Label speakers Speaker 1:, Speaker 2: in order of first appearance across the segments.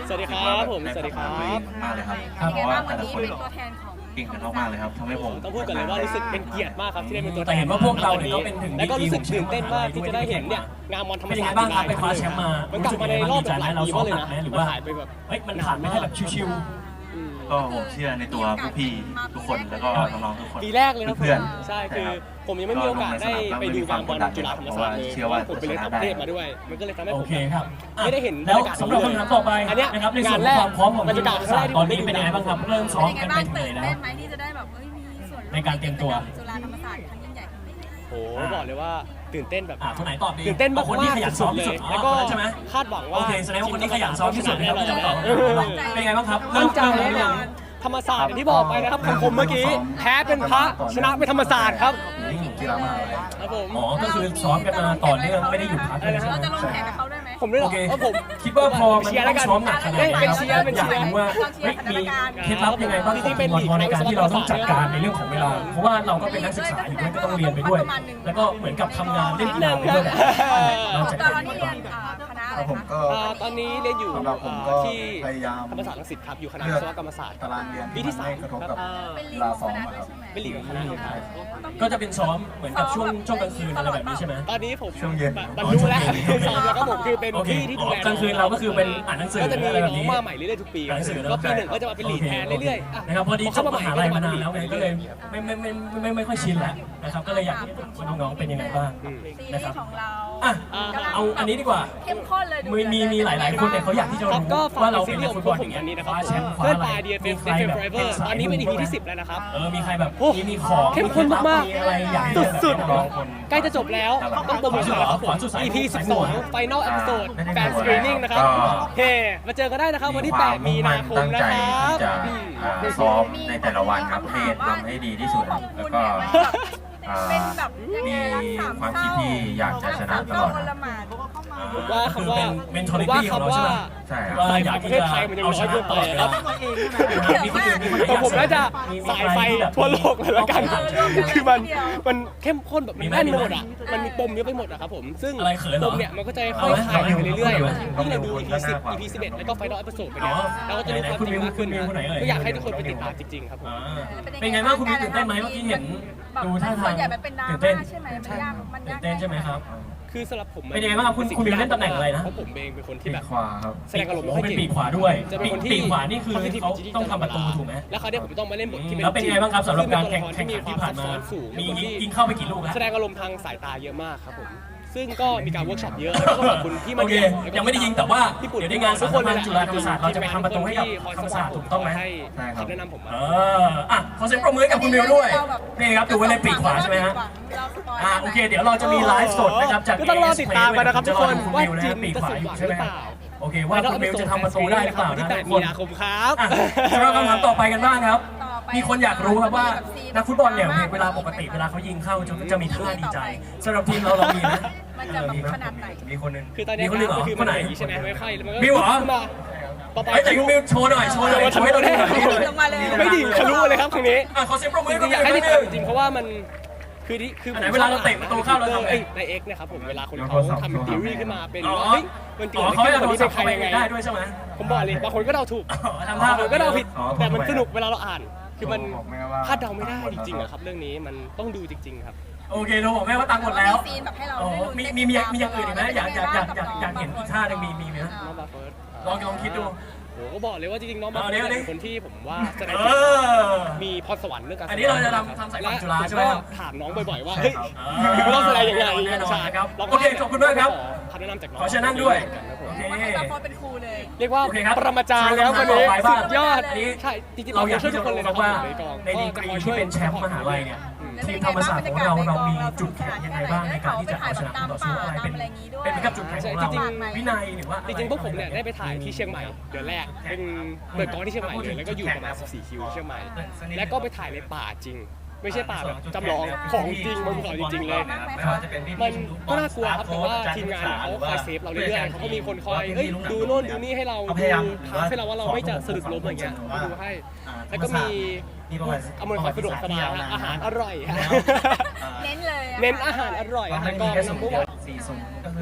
Speaker 1: สวัสดีครับผมสวัสดีครับ
Speaker 2: มากเลยครับเพราะว่าแต่ละคนเก่งกันมากๆเลยครับทำให้ผม
Speaker 1: ต้องพูดกันเลยว่ารู้สึกเป็นเกียรติมากครับที่ได้เป็นตัวแท
Speaker 3: แต่
Speaker 1: น
Speaker 3: เห็นว่าพวกเราเนี่ยก็เป็นถึง
Speaker 1: แล้วก็รู้สึกตื่นเต้นมากที่จะได้เห็นเนี่ยงานมอนธรรม
Speaker 3: เป็นยัง
Speaker 1: ศา
Speaker 3: ไง
Speaker 1: สตร์
Speaker 3: บ้างครับไปคว้าแชมป์มา
Speaker 1: มันกลับมาในรอบแบบหลาย
Speaker 3: เรา
Speaker 1: ปี
Speaker 3: ซ้อ
Speaker 1: มาม กเลยนะ
Speaker 3: หนักไหมหรือว่า
Speaker 1: หายไปแบบ
Speaker 3: เฮ้ยมันผ่านไม่ได้แบบชิว
Speaker 2: ก็ผมเชื่อในตัวผู้พี่ทุกคนแล้วก็น้องๆทุกคน
Speaker 1: ปีแรกเลยนะ
Speaker 2: เพื่อน
Speaker 1: ใช่คือผมยังไม่มีโอกาสได้ไปดูงานบอลจุฬาธรรมศาสตร์เลยผมไปเรียนต่างประเทศมาด้วยมันก็เลยทำให้
Speaker 3: ๆโอ
Speaker 1: ผม
Speaker 3: เคครับ
Speaker 1: ไม่ได้เห็น
Speaker 3: แล้วสำหรับคำถามต่อไป
Speaker 1: อันเนี้ย
Speaker 3: นะครับในส่วน
Speaker 1: งาน
Speaker 3: ข
Speaker 1: แร
Speaker 3: อก งความพร้อมของ
Speaker 1: บรร
Speaker 3: ที
Speaker 1: ยาม กาศ
Speaker 3: ธรรมศาสตร์ตอนนี้เป็นยังไงบ้างครับเริ่มซ้อม
Speaker 4: เป็น
Speaker 3: กัน
Speaker 4: ยังไง
Speaker 3: ไป
Speaker 4: บ้าง
Speaker 3: ถึงไหนแล้ว
Speaker 4: ตื่นเต้นไหมที่จะได้แบบมีส่วนร่วม
Speaker 3: ในการเตรียมตัว
Speaker 4: จุฬาธรรมศาสตร์ครั้งยิ่งใหญ่ครั้งนี้
Speaker 1: โอ้บอกเลยว่าตื่นเต้นแบบ
Speaker 3: คนไหนตอบดี
Speaker 1: ตื่นเต้นมาก
Speaker 3: คนที่ขยันซ้อมที่สุด
Speaker 1: แล้วก็
Speaker 3: ใช่ไหม
Speaker 1: คาดหวังว่า
Speaker 3: โอเคแสดงว่าคนที่ขยันซ้อมที่สุดนะครับก็จะตอบเป็นยังไงบ้างครับ
Speaker 1: มั่นใจ
Speaker 3: เริ่ม
Speaker 1: แน่น
Speaker 3: เริ่
Speaker 1: อ
Speaker 3: ม
Speaker 1: นธรรมศาสตร์อย่างที่บอกไปนะครับของผมเมื่อกี้แพ้เป็นพระชนะเป็นธรรมศาสตร์ครับ
Speaker 2: กีฬามหาลัย
Speaker 1: ครับผม
Speaker 3: อ๋อก็คือซ้อมกันมาต่อเนื่องไม่ได้หยุดพักเลยใช่ไหม
Speaker 4: เราจะลงแข่งกับเขาด้วยไหม
Speaker 1: ผมด้วยเหร
Speaker 3: โอ
Speaker 1: อ
Speaker 3: เค
Speaker 1: ผม
Speaker 3: คิดว่าพอมัน
Speaker 1: เชียร์แล้วกัน
Speaker 3: ซ้อมหนักขนาดนี้
Speaker 1: เป็นเชียร์เป็น
Speaker 3: อยาก
Speaker 1: เชียร์
Speaker 3: รู้ว่าเฮ้ยมีเคล็ดลับยังไงบ้างของทีมบอลในการที่เราต้องจัดการในเรื่องของเวลา เพราะว่าเราก็เป็นนักศึกษาอยู่ด้วยก็ต้องเรียนไปด้วย แล้วก็เหมือนกับทำงานเล่นกีฬาไปด้วยเราจะ
Speaker 4: ตอนนี้เรียนคณะอะไร
Speaker 2: ผม
Speaker 4: คะ
Speaker 2: ก็
Speaker 1: ตอนนี้เรียนอยู่
Speaker 2: สำหรับผมก็
Speaker 1: ที่
Speaker 2: พยายาม
Speaker 1: ธรรมศาสตร์รังสิตครับอยู่คณะวิศวกรรมศาสตร์
Speaker 2: ตารางเรียน
Speaker 1: ปีที่
Speaker 2: ไม่กระทบกับ
Speaker 4: เป็นลี
Speaker 2: เว
Speaker 4: ก
Speaker 2: ลา
Speaker 4: ข
Speaker 2: ซ้
Speaker 4: อ
Speaker 2: อง ม
Speaker 4: คณะ
Speaker 2: อะ
Speaker 4: ด้
Speaker 2: คว รับ
Speaker 4: ยใช่ไหม
Speaker 1: เป็นหลีกของคณะเลยครับ
Speaker 3: ก็จะเป็นซ้อมเหมือนกับช่วงกลางคืนอะไรแบบนี้ใช่ไหม
Speaker 1: ตอนนี้ผม
Speaker 2: ช่วงเย็น
Speaker 1: บรรลุแล้วซ้อมแล้วก็ผมคือเป็น
Speaker 3: โอเค
Speaker 1: พี่ที่ดูแล
Speaker 3: กลางคืนเราก็คือเป็นอ่านหนังสือ
Speaker 1: ก็จะมี
Speaker 3: อะไรแบ
Speaker 1: น้
Speaker 3: บ
Speaker 1: อง
Speaker 3: นี้
Speaker 1: มาใหม่เรื่อยๆทุกปี
Speaker 3: อ่านหนังสือ
Speaker 1: ก็ปีหนึ่งก็จะมาเป็นลีดแทนเรื่อยๆอ่ะ
Speaker 3: นะครับพอดีจบมหาลัยมานานแล้วไงก็เลย
Speaker 1: ไม่
Speaker 3: ไม่ค่อยชินแล้วนะครับก็เลยอยากที่จะถามว่าน้องๆเป็นยังไงบ้าง
Speaker 4: ซี
Speaker 3: นะ
Speaker 4: รี
Speaker 3: ครับ
Speaker 4: ส์ของเรา
Speaker 3: อ่ะ
Speaker 4: กำลัง
Speaker 3: เอาอันนี้ดีกว่า
Speaker 4: เข้มข้นเลยดู
Speaker 3: มีหลายๆคนเนี่ยเขาอยากที่จะ
Speaker 1: ครับ
Speaker 3: รู้
Speaker 1: ก็ฝาก
Speaker 3: ว่าเรา
Speaker 1: ซี
Speaker 3: เป็น
Speaker 1: รี
Speaker 3: นั
Speaker 1: ส์
Speaker 3: ก
Speaker 1: ข
Speaker 3: ฟุ
Speaker 1: อง
Speaker 3: ต
Speaker 1: พ
Speaker 3: บ
Speaker 1: ว
Speaker 3: อก ล
Speaker 1: ผม
Speaker 3: อย่างเงี้ย
Speaker 1: อันนี้นะครับ
Speaker 3: คว้าแชมป์คว้า
Speaker 1: เพื่อน
Speaker 3: อะไร
Speaker 1: ตาย DFF
Speaker 3: มีใครแบบ
Speaker 1: Forever ตอนนี้เป็น EP ที่10แล้วนะครับ
Speaker 3: มีใครแบบ
Speaker 1: โอ้
Speaker 3: มีของ
Speaker 1: เข้มข้นมากๆ
Speaker 3: มีอะไรอยากให้
Speaker 1: สุด
Speaker 3: น้อง
Speaker 1: ใกล้จะจบแล้วต้องโปรโมทแล้วครับผม EP 12 Final Episode แฟนสกรีนิ่งนะครับเฮ้มาเจอกันได้นะครับวันที่ 8 มีนาคมนะครับ
Speaker 2: ซ้อมในแต่ละวันครับให้ทำให้ดีที่สุดครับแล้วก็
Speaker 4: เป็นแบบ
Speaker 2: มีความคิดที่อยากจะชนะตลอด
Speaker 4: ละหมาด
Speaker 1: ว่าคำว่า
Speaker 3: เป็น mentality ของเราใช่ไหม
Speaker 2: ใช่ครับ
Speaker 3: ว่าอยาก
Speaker 1: ประ
Speaker 3: ที่
Speaker 1: เทศ
Speaker 3: จะ
Speaker 1: ไทยมันยัง
Speaker 3: เอา
Speaker 1: น้
Speaker 3: ช
Speaker 1: อย
Speaker 3: นะ
Speaker 1: เกิน
Speaker 3: ต
Speaker 1: ไป
Speaker 3: ลอดเว
Speaker 1: ครั
Speaker 3: ลา
Speaker 1: บ
Speaker 3: มีคนอื่นมีคนไหน
Speaker 1: แต่ผมน่าจะ
Speaker 3: มี
Speaker 1: สายไฟ
Speaker 3: ใครที่แบบ
Speaker 1: ทั่วโลกเลยละกัน คือมันเข้มข้นแบบ
Speaker 3: มี
Speaker 1: มัน
Speaker 3: ไหม
Speaker 1: แน่นไปหมดอ่ะ มันมีปมเยอะไปหมดอะครับผม ซึ่ง
Speaker 3: อะไรเขินเหร
Speaker 1: ป
Speaker 3: อ
Speaker 1: มเนี่ยมันก็จะค่อยๆคลายไปเรื่อยๆ
Speaker 2: ต้อง
Speaker 1: ที่
Speaker 2: ดู
Speaker 1: เราดู EP 10 EP 11 แล้วก็ Final Episode ไปเนี่ย
Speaker 3: อ๋อ
Speaker 1: เราก็จะรู้ความจริงมากขึ้น
Speaker 3: คุณมิวคนไหนเอ่ย
Speaker 1: ก็อยากให้ทุกคนไปติดตามจริงๆครับผม
Speaker 3: อ่าเป็นไงบ้างคุณมีตื่นเต้นไหมเมื่อกี้เห็นดูท่าทาง
Speaker 4: ส่วนใหญ่มันเป็นดรา
Speaker 3: ตื่นเต้น
Speaker 4: ม่าใช่ไหมมันยากมัน
Speaker 3: ตื่
Speaker 4: ยาน ก
Speaker 3: เต้นใช่ไหมครับ
Speaker 1: คือสำหรับผม
Speaker 3: เป็นยังไงบ้างครับคุณมิวเล่นตำแหน่งอะไรนะ
Speaker 1: เพราะผมเองเป็นคนที่
Speaker 2: ปี
Speaker 1: แบบ
Speaker 2: ขวาครับ
Speaker 1: แสดงอารมณ์ไม่
Speaker 3: โอ้
Speaker 1: ค่อย
Speaker 3: เป็น
Speaker 1: เก่ง
Speaker 3: ปีกขวาด้วย
Speaker 1: จะเป็นคนที่
Speaker 3: ปีกขวานี่คือ
Speaker 1: sensitive
Speaker 3: เขา
Speaker 1: จริๆ
Speaker 3: ต้องทำประตูถูกไหม
Speaker 1: แล้วเขาวเนี่ยผมต้องมาเล่นบทที่
Speaker 3: แล้วเป็นยังไงบ้างครับสำหรับการแข่ง
Speaker 1: ซึ่
Speaker 3: ขันที่ผ่านมา
Speaker 1: ควซับซ้อสูง
Speaker 3: มี
Speaker 1: เป็นคนที่
Speaker 3: ยิงเข้าไปกี่ลูกแล้ว
Speaker 1: แสดงอารมณ์ทางสายตาเยอะมากครับผม ซึ่งก็มีการเวิร์กช็อปเยอะแล้วก็ขอบคุณที่มา
Speaker 3: โอเค
Speaker 1: เรียน
Speaker 3: ยังไม่ได้ยิงแต่ว่า
Speaker 1: พี่ปุ่น
Speaker 3: เดี๋ยวในงานสามัญจุฬาธรรมศาสตร์เราจะไปทำประตูให้กับธรรมศาสตร์ถูกต้องไหม
Speaker 1: ให้คำแนะนำผมมา
Speaker 3: อ่ะขอเสียงปรบมือให้กับคุณมิวด้วยนี่ครับดูไว้เลยปีกขวาใช่ไหมฮะ
Speaker 4: เราสปอย
Speaker 3: โอเคเดี๋ยวเราจะมีไลฟ์สดนะครับจาก
Speaker 1: ก็ต้องรอติดตามกันนะครับทุกคน
Speaker 3: คุณ
Speaker 1: ว่า
Speaker 3: มิวนะ
Speaker 1: จริ
Speaker 3: ฮะ
Speaker 1: ง
Speaker 3: ปีก
Speaker 1: จะ
Speaker 3: ขวา
Speaker 1: สม
Speaker 3: อ
Speaker 1: ห
Speaker 3: ยู่
Speaker 1: วัง
Speaker 3: ใช่
Speaker 1: ห
Speaker 3: ไหม
Speaker 1: รือเป
Speaker 3: ฮะ
Speaker 1: ล่า
Speaker 3: โอเคว่าคุณมิวจะทำประตูได้หรือเปล่า
Speaker 1: ที่
Speaker 3: นะ
Speaker 1: 8
Speaker 3: ทุกค
Speaker 1: มี
Speaker 3: น
Speaker 1: นาคมครับ
Speaker 3: สำหรับคำถามต่อไปกันบ้างครับ มีคนอยากรู้ครับว่านักฟุตบอลเนี่ยเวลาปกติเวลาเขายิงเข้าจะมีท่าดีใจสำหรับทีมเรามีไหม
Speaker 4: มันจะแบบขนาดไหน
Speaker 2: มีคนหนึ่ง
Speaker 1: คือตอนนี้
Speaker 3: มีคนหนึ่งเหรอ
Speaker 1: คือ
Speaker 3: คนไหน
Speaker 1: อย่างนี้ใช่ไหมไม่ค่อยแล้วมันก็
Speaker 3: มิวเหรอ
Speaker 1: ขึ้นมาต่อไป
Speaker 3: แต่คุณมิวโชว์หน่อยโชว์ให้เราดูหน่อย
Speaker 4: ไม่ดิ่งลงมาเลย
Speaker 1: ไม่ดิ่งทะลุเลยครับตรงนี้
Speaker 3: ขอเสียงปรบมือ
Speaker 1: จ
Speaker 3: ให้
Speaker 1: ริ
Speaker 3: กับ
Speaker 1: งๆอยากให้ติดตามจริงๆเพราะว่ามันคือ
Speaker 3: อันไหนเวลาเราเตะประตูเข้าเราทำไง
Speaker 1: ในเอ็กนะครับผมเวลาคนเขาทำเป็นทีรีขึ้นมาเป็นว่าเฮ้ยมันเกิด
Speaker 3: เขา
Speaker 1: อะไร
Speaker 3: ให้
Speaker 1: ขึ้น
Speaker 3: เรา
Speaker 1: คนนี้เป็นใครยังไง
Speaker 3: ได้ด้วยใช่ไหม
Speaker 1: ผมบอกเลยบางคนก็เดาถูก
Speaker 3: ทำท่า
Speaker 1: บางคนก็เดาผิดแต่มันสนุกเวลาเราอ่าน คือมัน
Speaker 2: บอกแม่ว่า
Speaker 1: คาดเดาไม่ได้จริงๆอะครับเรื่องนี้มันต้องดูจริงๆครับ
Speaker 3: โอเคเราบอกแม่ว่าตังค์หมดแล้ว
Speaker 4: ซีนแบบให้เรา
Speaker 3: มีอย่างอื่นอีกไหมอยากเห็นอีกท่าหนึ่งมีไหม
Speaker 1: น้องบาเฟิร์ส
Speaker 3: ลองคิดดู
Speaker 1: โหก็บอกเลยว่าจริงๆน้องบา
Speaker 3: เอา
Speaker 1: เฟิ
Speaker 3: ดิ
Speaker 1: ร์ส
Speaker 3: เอาดิ
Speaker 1: เป็นคนที่ผมว่าแสดง
Speaker 3: เออ
Speaker 1: มีพรสวรรค์เรื่องการ
Speaker 3: อันนี้เราจะทำสายฝั่งจุฬาใช่ไหมครับ
Speaker 1: ถามน้องบ่อยๆว่าเฮ้ยคือต้องแสดงยังไง
Speaker 3: แน่นอน
Speaker 1: ใช่
Speaker 3: ครับ
Speaker 1: เราก็
Speaker 3: โอเคขอบคุณมากครับ
Speaker 1: คำแนะนำจากน้อง
Speaker 3: ขอเชิญนั่งด้วยโอเค
Speaker 4: ว่าให้บางคนเป็นครูเลย
Speaker 1: เรียกว่า
Speaker 3: โอเคครับ
Speaker 1: ปรมาจารย์แล้ววันนี้
Speaker 3: ต่อไปบ้าง
Speaker 1: สุดยอด
Speaker 3: อันนี้
Speaker 1: ใช่จริงๆ
Speaker 3: เราอยาก
Speaker 1: ช่วย
Speaker 3: ที่
Speaker 1: ทุ
Speaker 3: จะ
Speaker 1: กคนเลย
Speaker 3: รู้
Speaker 1: นะค
Speaker 3: ว่า
Speaker 1: รับในกอง
Speaker 3: ในดีกรีที่เป็นแชมป์มหาลัยเนี่ยทีมธรรมศาสตร์ของเรามีจุดแข็งยังไงบ้างในการที่จะเอาชนะคู่ต่อสู้อะไรเป็นเหมือนกับจุดแข็งของเราวินัยหรือว่า
Speaker 1: จริงๆพวกผมเนี่ยได้ไปถ่ายที่เชียงใหม่เดือนแรกเป็นเปิดกองที่เชียงใหม่เลยแล้วก็อยู่ประมาณ14 คิวที่เชียงใหม่แล้วก็ไปถ่ายในป่าจริง ไม่ใช่ป่าแบบจำลองของจริงบนภูเขาจริงๆเลย มันก็น่ากลัวครับแต่ว่าทีมงานเขาคอยเซฟเราเรื่อยๆเขาก็มีคนคอยดูโน่นดูนี่ให้เราดูทางให้เราว่าเราไม่จะสะดุดล้มอะไรเงี้ยดูให้แล้วก็มีอำนวยความสะดวกสบายอาหารอร่อยฮะ
Speaker 4: เน้นเลย
Speaker 1: เน้นอาหารอร่อยในกองน้ำพุ
Speaker 2: 4-0ก็คือ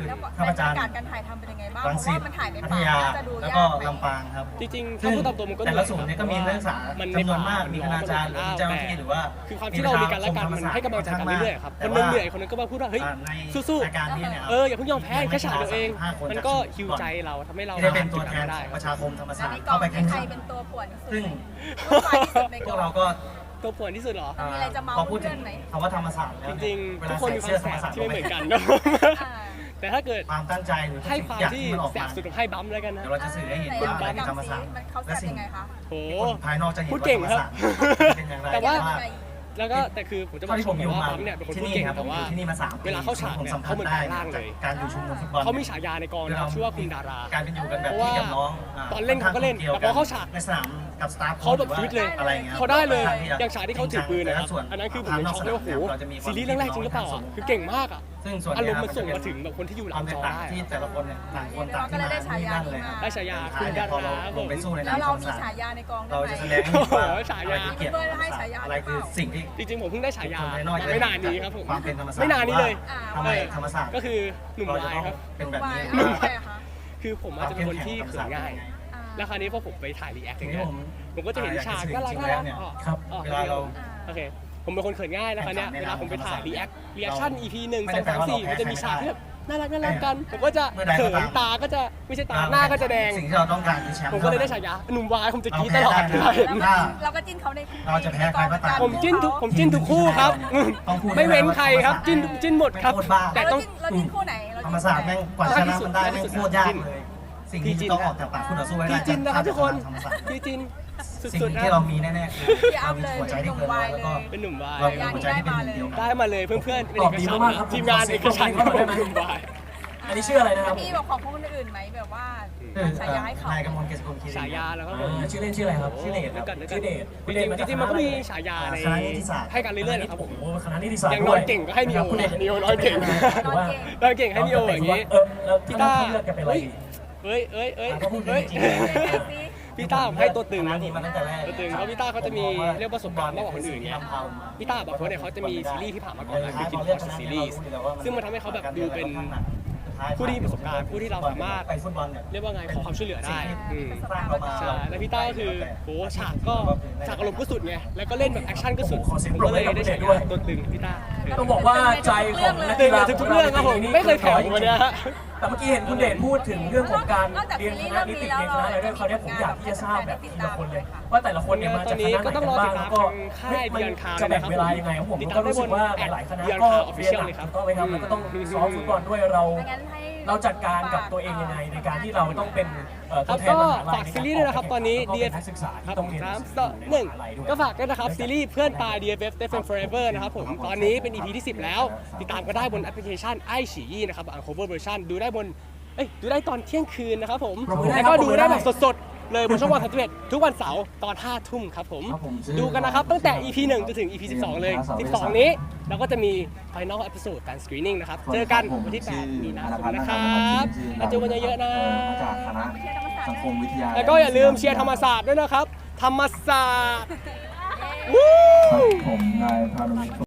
Speaker 4: แล้ว
Speaker 2: ท่าประจัน
Speaker 4: บรรยากาศการถ่ายทำเป็นยังไงบ้าง
Speaker 2: รัง
Speaker 4: เพ
Speaker 2: สิ
Speaker 4: ราะ
Speaker 2: ต
Speaker 4: ว่ามันถ่ายใน
Speaker 2: พัท
Speaker 4: ป่าย
Speaker 2: า
Speaker 4: จะดู
Speaker 2: แล้ว
Speaker 4: ยา
Speaker 2: ก็
Speaker 4: กไหม
Speaker 2: ลำปางครับ
Speaker 1: จริงๆ
Speaker 2: ซึ่
Speaker 1: ถ้าง พูดตามตัวมันก็
Speaker 2: แต่ละศูนย์เนี่ยก็มีนักศึกษา
Speaker 1: มัน
Speaker 2: จำนวนมากมีคณาจารย์หรือมีเจ้าหน้าที่หรือว่า
Speaker 1: คือความที่เรามีกันและกันมันให้กำลังใจกันเรื่อยๆครับคนนึงเหนื่อยคนนึงก็มาพูดว่าเฮ้ย
Speaker 2: ใน
Speaker 1: สู้
Speaker 2: รายการนี้เนี่ย
Speaker 1: ๆอย่าเพิ่งยอมแพ้แค่ฉากเดียวเอง มันก็ฮิวใจเราทำให้เรา
Speaker 2: ที่ได้เป็นตัวแทน
Speaker 1: ได้
Speaker 2: ของประชาคมธรรม
Speaker 4: อั
Speaker 2: ศาน สต
Speaker 4: นี้
Speaker 2: ร์
Speaker 4: กอ
Speaker 2: เข้าง ไปแข่ง
Speaker 4: ใคร
Speaker 2: ขัน
Speaker 4: เป็นตัวป่วนที่สุด
Speaker 2: ซึ่ง
Speaker 4: ตัวฝ่ายที่สุดใน
Speaker 2: พ
Speaker 4: ก
Speaker 2: ว
Speaker 4: อก ง
Speaker 2: เราก็
Speaker 1: ตัวป่วนที่สุดเหรอ
Speaker 4: มีอะไรจะเมา
Speaker 2: พอพูดถึง
Speaker 4: เพื่อนไหม
Speaker 2: คำว่าธรรมศาสตร์แล้ว
Speaker 1: จริง
Speaker 2: เว
Speaker 1: ๆ ทุ
Speaker 2: ลาก
Speaker 1: คน
Speaker 2: ใส่
Speaker 1: มีค
Speaker 2: เสื้อ
Speaker 1: วาม
Speaker 2: ธร
Speaker 1: แส
Speaker 2: รม
Speaker 1: บ
Speaker 2: ศาสตร์
Speaker 1: ที่ไม่เหมือนกัน
Speaker 4: อ่า
Speaker 1: แต่ถ้าเกิด
Speaker 2: ความตั้งใจหรือทุก
Speaker 1: ให้
Speaker 2: สิ่ง
Speaker 1: ความ
Speaker 2: อย่าง
Speaker 1: ที่
Speaker 2: ที่มันออก
Speaker 1: แส
Speaker 2: มา
Speaker 1: บสุดของให้บัมป์แล้วกันนะ
Speaker 2: เดี๋ยวเราจะสื่อให้เห็นว่าอะไรคือธรรมศาสตร์
Speaker 4: เขาแส
Speaker 2: และ
Speaker 4: บ
Speaker 2: สิ่ง
Speaker 4: ยังไงคะ
Speaker 1: โห
Speaker 2: คนภายนอกจะเห็น
Speaker 1: พูด
Speaker 2: ว่า
Speaker 1: เก่
Speaker 2: ธ
Speaker 1: ง
Speaker 2: รรม
Speaker 1: ครับ
Speaker 2: ศาสตร์เป็นอย่างไร
Speaker 1: แต่ว่า
Speaker 2: ว่า
Speaker 1: แล้วก็แต่คือผมจะบอ
Speaker 2: เท่าก ที่ผมอยู่
Speaker 1: ว่า
Speaker 2: มา
Speaker 1: บัมป์เนี่ยเป็นคน
Speaker 2: ที่
Speaker 1: พูด
Speaker 2: นี่
Speaker 1: เก่ง
Speaker 2: ครับผ
Speaker 1: แต่
Speaker 2: มอ
Speaker 1: ว่า
Speaker 2: ยู่ที่นี่มา3 ปี
Speaker 1: เวลาเข้าฉาก
Speaker 2: ผม
Speaker 1: เนี่ย
Speaker 2: สัมผั
Speaker 1: เขา
Speaker 2: ส
Speaker 1: เหมือน
Speaker 2: ได้
Speaker 1: แปลงร่างเลย
Speaker 2: การอยู่ชุมนุมฟุตบอล
Speaker 1: เขามีฉายาในกองนะครับชื่อว่าคุณดารา
Speaker 2: การเป็นอยู่กันแบบพี่กับน้อง
Speaker 1: ตอนเล่นเขาก็เล่นแต่พอเข้าฉาก
Speaker 2: ในสนามกับสตาฟ
Speaker 1: เขาแบบฟิตเลย
Speaker 2: อะไรเงี้ย
Speaker 1: เขาได้เลย
Speaker 2: ค่อนข้
Speaker 1: อย่างฉากที่เขาถือปืนนะครับ
Speaker 2: ส่ว
Speaker 1: อันนั้นคือผมยังช็อกเลยว่าโหซีรีส์เรื่องแรกจริงหรือเปล่าอ่ะคือเก่งมากอ่ะ
Speaker 2: ซึ่งส่วน
Speaker 1: อารมณ์มันส่งมาถึงแบบคนที่อยู่ห
Speaker 2: ค
Speaker 1: ลั
Speaker 2: วาม
Speaker 1: ง
Speaker 2: แต
Speaker 1: จ
Speaker 2: ก
Speaker 1: อ
Speaker 2: ต่าง
Speaker 1: ได้
Speaker 2: ที่แต่ละคนเนี่ยต่างคนต่างที่มาที่นั่นเลยครับ
Speaker 1: ได้ฉายาคุณดารา
Speaker 2: พอเราลงไปสู้ใน
Speaker 4: แล้ว
Speaker 2: น้ำ
Speaker 4: เรา
Speaker 2: ธรรม
Speaker 4: มี
Speaker 2: ศาสตร์
Speaker 4: ฉายาในกอง
Speaker 2: เรา
Speaker 4: ได้
Speaker 2: จะ
Speaker 4: ไห
Speaker 2: แส
Speaker 4: ม
Speaker 2: ดงให้เห็นว่า
Speaker 1: ฉายา
Speaker 2: อะไรคือเกียรติ
Speaker 4: เพื่อนให้ฉายา
Speaker 2: อะไรคือสิ่งที่
Speaker 1: จริงๆผมเพิ่งได้ฉายา
Speaker 2: คนภายนอกจะ
Speaker 1: ไม่นานนี้ครับผม
Speaker 2: ความเป็นธรรมศาสตร์
Speaker 1: ไม่นานนี้เลย
Speaker 2: ทำไมธรรมศาสตร์
Speaker 1: ก็คือหนุ่ม
Speaker 2: เราจะ
Speaker 1: วาย
Speaker 2: ต้อง
Speaker 1: ครับ
Speaker 2: เป็นแบบนี้
Speaker 4: หนุ่มวายเหรอคะ
Speaker 1: คือผมอาจจะเป็นคนที่เขินง่าย
Speaker 4: อ่า
Speaker 1: แล้วคราวนี้พอผมไปถ่ายรีแอคอ
Speaker 2: สิ่
Speaker 1: ย่าง ง
Speaker 2: ที่
Speaker 1: เงี้ย
Speaker 2: ผม
Speaker 1: ผมก็จะเห็นฉากน่ารัก
Speaker 2: จริงๆ
Speaker 1: น่ารัก
Speaker 2: แล้วเนี่ย
Speaker 3: ครับ
Speaker 2: เวลาเรา
Speaker 1: โอเคผมเป็นคนเขินง่ายนะคราวเนี้ยเวลาผมไปถ่ายรีแอคชั่น EP 1
Speaker 2: ไม่ได้
Speaker 1: 2
Speaker 2: แปลว่า
Speaker 1: 3
Speaker 2: เรา
Speaker 1: 4
Speaker 2: แพ้
Speaker 1: มันจะมีฉากที่
Speaker 2: ใคร
Speaker 1: แบบน่ารักกันผมก็จะ
Speaker 2: เมื่อใดก็
Speaker 1: เขิน
Speaker 2: ตาม
Speaker 1: ตาก็จะไม่ใช่ตาหน้าก็จะแดง
Speaker 2: สิ่งที่เราต้องการคือแชมป์
Speaker 1: ผมก็เลยได้ฉายาหนุ่มวายผมจะกรี๊ดตลอด
Speaker 2: เรา
Speaker 1: เว
Speaker 2: แพ้
Speaker 1: ลา
Speaker 2: ได้
Speaker 1: เห็น
Speaker 4: เราก็จิ้นเขาใน
Speaker 2: เราจะแพ้ใครก็ตาม
Speaker 1: ผมจิ้นทุกคู่ครับ
Speaker 2: ต้องพูด
Speaker 1: ไม่เว้นใครครับจิ้นหมดครับ
Speaker 2: ไม่โคตรบ้า
Speaker 1: แต่
Speaker 4: เรา
Speaker 1: ต้อง
Speaker 4: จิ้นคู่ไหน
Speaker 2: ธรรมศาสตร์แม่งกว่าชนะมันได้แม่งโคตรยากเลย สิ่งที่ต้องออกจากปากคุณต่อสู้ให้ได้
Speaker 1: พี่จินนะครับทุกคน
Speaker 2: ธรรมศาสตร์
Speaker 1: พี่จิน
Speaker 2: สิ่ง
Speaker 1: สุดๆนะ
Speaker 2: ที่เรามีแน่ๆคือเรามีหัวใจที่เกินร้อยแล้วก็
Speaker 1: เป็นหนุ่มวาย
Speaker 2: เรามีหัวใจที่เป็นหนึ่งเดียวกัน
Speaker 1: ได้มาเลยเพื่อนๆเป็น
Speaker 3: ต
Speaker 1: เอ
Speaker 3: อบ
Speaker 1: ก
Speaker 3: ดี
Speaker 1: ฉัน
Speaker 3: มากๆครับ
Speaker 1: ทีมงานเอกฉัน
Speaker 3: ขอบคุณครับ
Speaker 1: หนุ่มวาย
Speaker 3: อันนี้ชื่ออะไรนะครับ
Speaker 4: พี่บอกของคนอื่นไหมแบบว่าฉายาให้เขา
Speaker 2: นายกมลเกษกุลคีรี
Speaker 1: ฉายาแล้วครับผม
Speaker 3: ชื่อเล่นชื่ออะไรครับ
Speaker 2: ชื่อเดชครับ
Speaker 3: ชื่อเดช
Speaker 1: จริงๆมันก็มีฉายาใน
Speaker 2: คณะนิติศาสตร์
Speaker 1: ให้กันเรื่อยๆนะครับผม
Speaker 3: โอ้คณะนิติศาสตร์
Speaker 1: อย่าง
Speaker 3: ด้
Speaker 1: น้
Speaker 3: ว
Speaker 1: อยเก่งก็ให้นิโอ
Speaker 3: คุณเดช
Speaker 1: นิโอน้อยเก่ง
Speaker 3: ถือว่า
Speaker 1: น้อยเก่งให้นิโออย่างนี้
Speaker 3: แล้ว
Speaker 1: พี่
Speaker 3: พี่
Speaker 1: ต้า
Speaker 3: ต้าเลือกกันเป็นอะไรดี
Speaker 1: เอ้ย
Speaker 3: ก็พูดจริง
Speaker 1: พี่ต้าผมให้ตัวตึง
Speaker 2: คณะ
Speaker 1: นะ
Speaker 2: นี้มาตั้งแต่แรก
Speaker 1: ตัวตึงเพราะพี่ต้าเขาจะมีเรียกว่าประสบการณ์มากกว่าคนอื่นไง พี่ต้าบอกว่าเนี่ยเขาจะมีซีรีส์ที่ผ่านมาก่อนนะคือกินพอชซีรีส์ซึ่งมันทำให้เขาแบบดูเป็นผู้ที่มีประสบการณ์ผู้ที่เราสามารถ
Speaker 2: ไปฟุตบอลเนี่ย
Speaker 1: เรียกว่าไงขอความช่วยเหลือได้อืม
Speaker 2: สร้างเรามา
Speaker 1: ใช่แล้วพี่ต้าก็คือโหฉากอารมณ์ก็สุดไงแล้วก็เล่นแบบแอคชั่นก็สุด
Speaker 3: ขอเสียง
Speaker 1: ผม
Speaker 3: ปรบ
Speaker 1: ก็
Speaker 3: มื
Speaker 1: เล
Speaker 3: อย ให้กับ
Speaker 1: ได้
Speaker 3: คุณเด
Speaker 1: ฉา
Speaker 3: ช
Speaker 1: ยา
Speaker 3: ด้วย
Speaker 1: ตัวตึงพี่ต้า
Speaker 3: ต้องบอกว่าใจของนัก
Speaker 1: ตึ
Speaker 3: กี
Speaker 1: ง
Speaker 3: ฬา
Speaker 1: ทุกๆเรื่องครับผมไม่เคยแผ่ววันเนี้ยฮะ
Speaker 3: แต่เมื่อกี้เห็นคุณเดชพูดถึงเรื่องของการเรียนคณะนิติเรียนคณะอะไรด้วยคราวนี้ผมอยากที่จะทราบแบบทีละคนเลย ว่าแต่ละคนเนี่ยมาจากคณะไหนกันบ้างแล้วก็จะแบ่งเวลายังไงผมก็รู้สึกว่าหลายๆคณะก็เรียนหนักถูกต้องไหมครับแล้วก็ต้องซ้อมฟุตบอลด้วยเราจัดการกับตัวเองยังไงในการที่เราต้องเป็น
Speaker 1: ค
Speaker 3: ตั
Speaker 1: รั
Speaker 3: ว
Speaker 1: บ
Speaker 3: แทน
Speaker 1: ก็
Speaker 3: มหาลัย
Speaker 1: ฝากซีรีส์ด้วยนะครับตอนนี้
Speaker 3: แล้วก็เป็
Speaker 1: DF
Speaker 3: นักศึกษา
Speaker 1: ครั
Speaker 3: ที่
Speaker 1: บ
Speaker 3: ต้องเรียน
Speaker 1: ก็ฝากด้วยนะครับซีรีส์เพื่อนตาย DFF Defend Forever นะครับผมตอนนี้เป็น EP ที่ 10 แล้ว ติดตามก็ได้บนแอปพลิเคชันไอฉี่นะครับ Uncover Version ดูได้ดูได้ตอนเที่ยงคืนนะครับผม
Speaker 3: ปรบมือได้
Speaker 1: แล้ว
Speaker 3: ครับ
Speaker 1: ก็ดูได้
Speaker 3: ปรบมือได้
Speaker 1: แบบสดๆ เลยบนช่องวัน31ทุกวันเสาร์ตอน 5 ทุ่มครับผม ดูกันนะครับ ตั้งแต่ EP 1 จนถึง EP 12 เลย 12 นี้เราก็จะมี Final Episode การ Screening นะครับ เจอกันวันที่ 8 มีนาคมนะครับมาเจอกันเยอะๆนะ
Speaker 5: มาจากคณะสังคมวิทยา
Speaker 1: แล้วก็อย่าลืมเชียร์ธรรมศาสตร์ด้วยนะครับ ธรรมศาสตร์
Speaker 5: ครับผมนายพานุวิทย์